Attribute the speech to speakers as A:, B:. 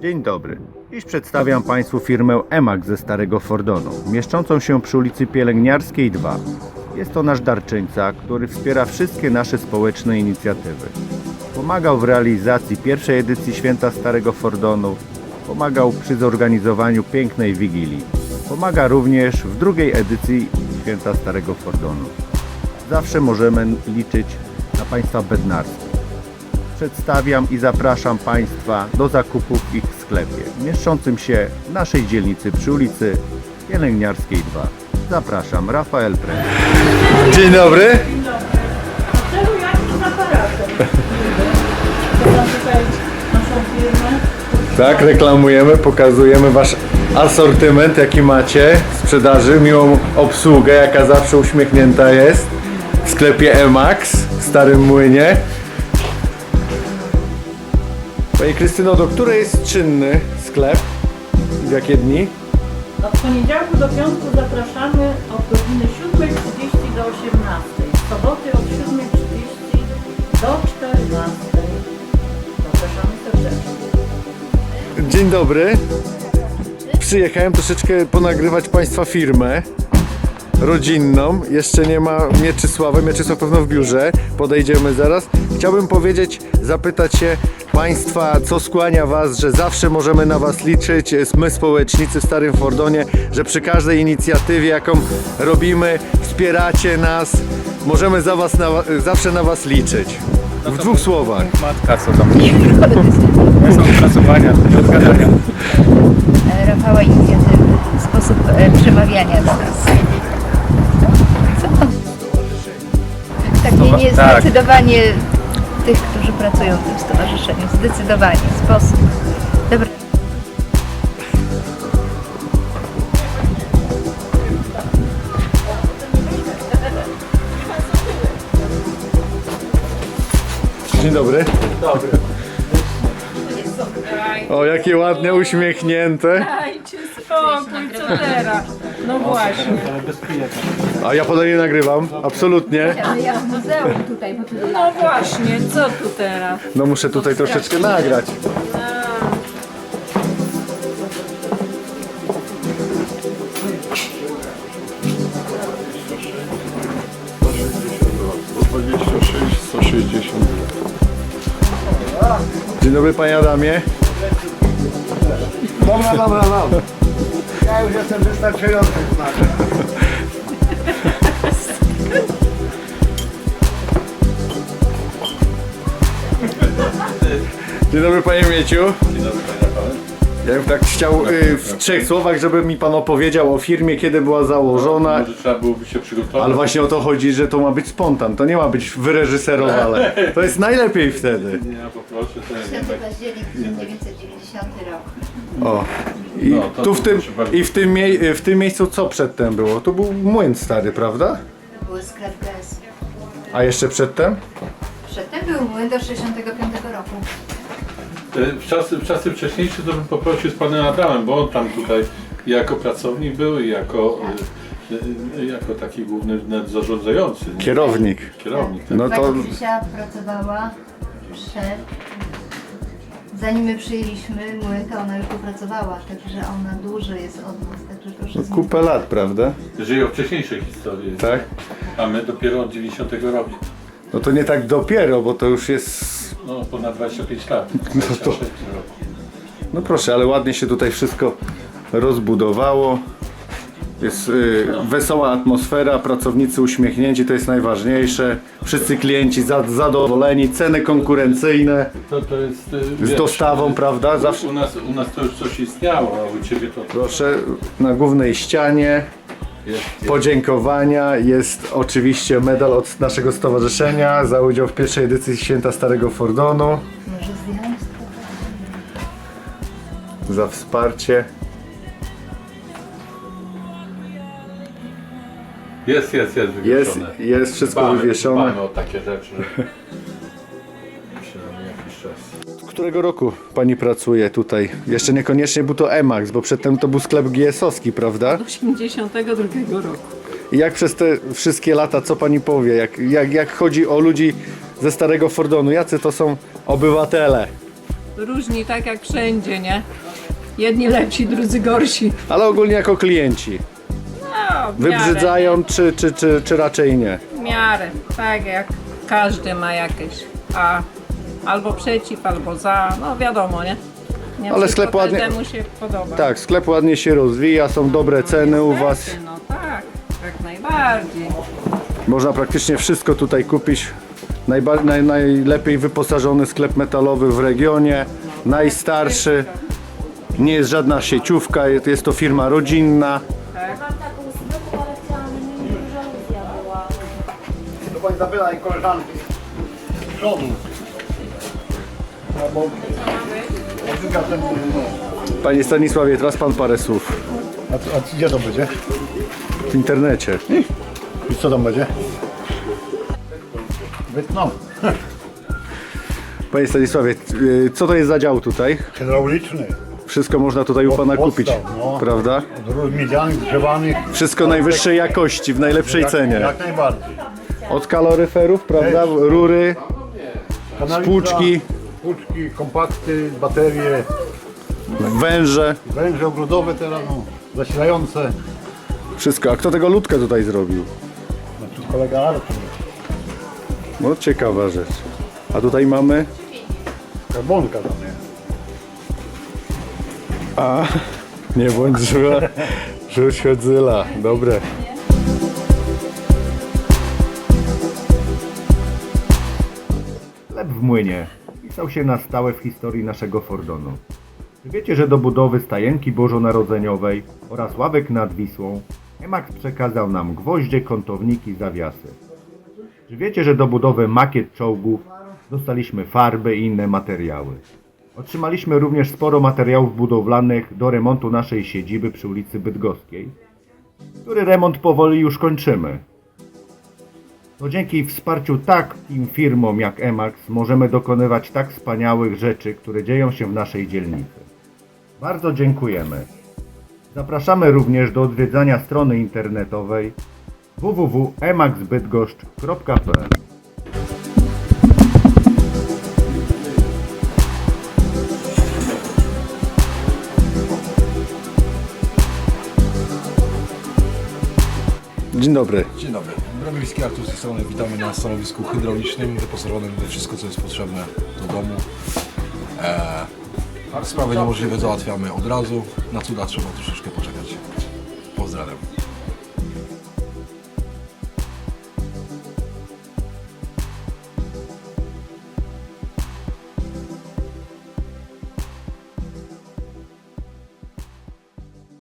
A: Dzień dobry. Dziś przedstawiam Państwu firmę Emax ze Starego Fordonu, mieszczącą się przy ulicy Pielęgniarskiej 2. Jest to nasz darczyńca, który wspiera wszystkie nasze społeczne inicjatywy. Pomagał w realizacji pierwszej edycji Święta Starego Fordonu, pomagał przy zorganizowaniu pięknej Wigilii. Pomaga również w drugiej edycji Święta Starego Fordonu. Zawsze możemy liczyć na Państwa bednarstwo. Przedstawiam i zapraszam Państwa do zakupów w ich sklepie, mieszczącym się w naszej dzielnicy przy ulicy Pielęgniarskiej 2. Zapraszam, Rafael Pręd.
B: Dzień dobry.
C: Czemu jakim aparatem? Podam tutaj naszą firmę.
B: Tak, reklamujemy, pokazujemy Wasz asortyment, jaki macie w sprzedaży, miłą obsługę, jaka zawsze uśmiechnięta jest w sklepie Emax w Starym Młynie. Pani Krystyno, do której jest czynny sklep? W jakie dni?
C: Od poniedziałku do piątku zapraszamy od godziny 7:30 do 18:00. W soboty od 7:30 do 14:00. Zapraszamy serdecznie.
B: Dzień dobry. Przyjechałem troszeczkę ponagrywać Państwa firmę rodzinną. Jeszcze nie ma Mieczysława. Mieczysław pewno w biurze. Podejdziemy zaraz. Chciałbym powiedzieć, zapytać się Państwa, co skłania Was, że zawsze możemy na Was liczyć, my społecznicy w Starym Fordonie, że przy każdej inicjatywie, jaką robimy, wspieracie nas, możemy zawsze na Was liczyć. W dwóch słowach.
D: Matka, co tam? Są opracowania, odgadania.
E: Rafała inicjatywy, sposób przemawiania do nas. Co? Tak, nie
D: Tak.
E: zdecydowanie tych, którzy pracują w tym stowarzyszeniu. Zdecydowanie, sposób. Dobra.
B: Dzień dobry. Dobry. O, jakie ładne, uśmiechnięte.
C: Dajcie spokój, co teraz? No właśnie.
B: A ja podaję nagrywam, absolutnie.
E: Ja w muzeum tutaj, bo tu
C: No właśnie, co tu teraz?
B: No muszę tutaj troszeczkę nagrać. Dzień dobry, panie Adamie.
F: Dobra. Ja już jestem wystarczający znak.
B: Dzień dobry, panie Mieciu. Dzień dobry, panie Rafale. Ja bym tak chciał w trzech słowach, żeby mi pan opowiedział o firmie, kiedy była założona.
G: Może trzeba byłoby się przygotować.
B: Ale właśnie o to chodzi, że to ma być spontan, to nie ma być wyreżyserowane. To jest najlepiej wtedy.
G: Nie, ja poproszę, to ja
E: 10
G: nie tak.
E: październik 1990 rok.
B: O. I,
G: No, to
B: tu w tym,
G: proszę bardzo.
B: i w tym miejscu co przedtem było? To był młyn stary, prawda?
E: To był sklep GS.
B: A jeszcze przedtem?
E: Przedtem był młyn do 65 roku.
G: W czasy wcześniejsze to bym poprosił z panem Adamem, bo on tam tutaj jako pracownik był i jako taki główny zarządzający. nie?
B: Kierownik.
G: Kierownik. Tak.
B: No to
E: Pani Krzysia pracowała zanim my przyjęliśmy młyn, to ona już tu pracowała, także ona dłużej jest od nas, także proszę z nią.
B: kupę lat, prawda?
G: Jeżeli o wcześniejszej historii.
B: Tak?
G: A my dopiero od 90 roku.
B: No to nie tak dopiero, bo to już jest...
G: No ponad 25 lat.
B: No to-
G: 26 roku.
B: No proszę, ale ładnie się tutaj wszystko rozbudowało. Jest wesoła atmosfera, pracownicy uśmiechnięci, to jest najważniejsze. Wszyscy klienci zadowoleni, ceny konkurencyjne,
G: To jest
B: z dostawą, prawda? Zawsze.
G: U nas to już coś istniało, a u ciebie to
B: Proszę, na głównej ścianie
G: jest.
B: podziękowania jest oczywiście medal od naszego stowarzyszenia za udział w pierwszej edycji Święta Starego Fordonu,
E: Może zdjąć?
B: za wsparcie.
G: Jest wywieszone.
B: Jest wszystko wywieszone.
G: Dbamy o takie rzeczy. Przynajmniej jakiś czas.
B: Z którego roku pani pracuje tutaj? Jeszcze niekoniecznie był to Emax, bo przedtem to był sklep GS-owski, prawda?
C: 82 roku.
B: I jak przez te wszystkie lata, co pani powie, jak chodzi o ludzi ze Starego Fordonu, jacy to są obywatele?
C: różni tak jak wszędzie, nie? Jedni lepsi, drudzy gorsi.
B: Ale ogólnie jako klienci.
C: No, w
B: Wybrzydzają czy raczej nie?
C: W miarę, tak jak każdy ma jakieś. Albo przeciw, albo za, no wiadomo, nie? Nie
B: Ale
C: wszystko
B: sklep ładnie-
C: każdemu się podoba.
B: Tak, sklep ładnie się rozwija, są dobre ceny u Was.
C: No tak, jak najbardziej.
B: Można praktycznie wszystko tutaj kupić. Najlepiej wyposażony sklep metalowy w regionie, najstarszy. Nie jest żadna sieciówka, jest to firma rodzinna.
H: Mam taką zwykłą, ale chciałam, żeby mi żaluzja była.
F: To pani zapytaj koleżanki z przodu. Albo...
B: Panie Stanisławie, teraz Pan parę słów
F: A gdzie to będzie?
B: w internecie.
F: I co tam będzie? Wytną.
B: Panie Stanisławie, co to jest za dział tutaj?
F: Hydrauliczny.
B: Wszystko można tutaj u Pana kupić,
F: Podstaw, no.
B: prawda?
F: Od rur miedzianych, grzewanych.
B: Wszystko najwyższej jakości, w najlepszej cenie.
F: Jak najbardziej.
B: Od kaloryferów, prawda?
F: Też.
B: Rury,
F: Kanaliza,
B: spłuczki,
F: spłuczki, kompakty, baterie,
B: węże,
F: węże ogrodowe teraz, no, zasilające.
B: wszystko. A kto tego ludkę tutaj zrobił?
F: No tu kolega Artur.
B: No ciekawa rzecz. A tutaj mamy?
F: Karbonka tam jest.
B: A, nie bądź zła. Rzuć chodzyla. Dobre.
A: Chleb w młynie wpisał się na stałe w historii naszego Fordonu. Czy wiecie, że do budowy stajenki bożonarodzeniowej oraz ławek nad Wisłą Emax przekazał nam gwoździe, kątowniki, zawiasy? Czy wiecie, że do budowy makiet czołgów dostaliśmy farby i inne materiały? Otrzymaliśmy również sporo materiałów budowlanych do remontu naszej siedziby przy ulicy Bydgoskiej, który remont powoli już kończymy. To dzięki wsparciu takim firmom jak Emax możemy dokonywać tak wspaniałych rzeczy, które dzieją się w naszej dzielnicy. Bardzo dziękujemy. Zapraszamy również do odwiedzania strony internetowej www.emaxbydgoszcz.pl.
B: Dzień dobry.
I: Dzień dobry. Bromiewski Artur z tej strony. Witamy na stanowisku hydraulicznym wyposażonym we wszystko, co jest potrzebne do domu. Sprawy niemożliwe załatwiamy od razu. Na cuda trzeba troszeczkę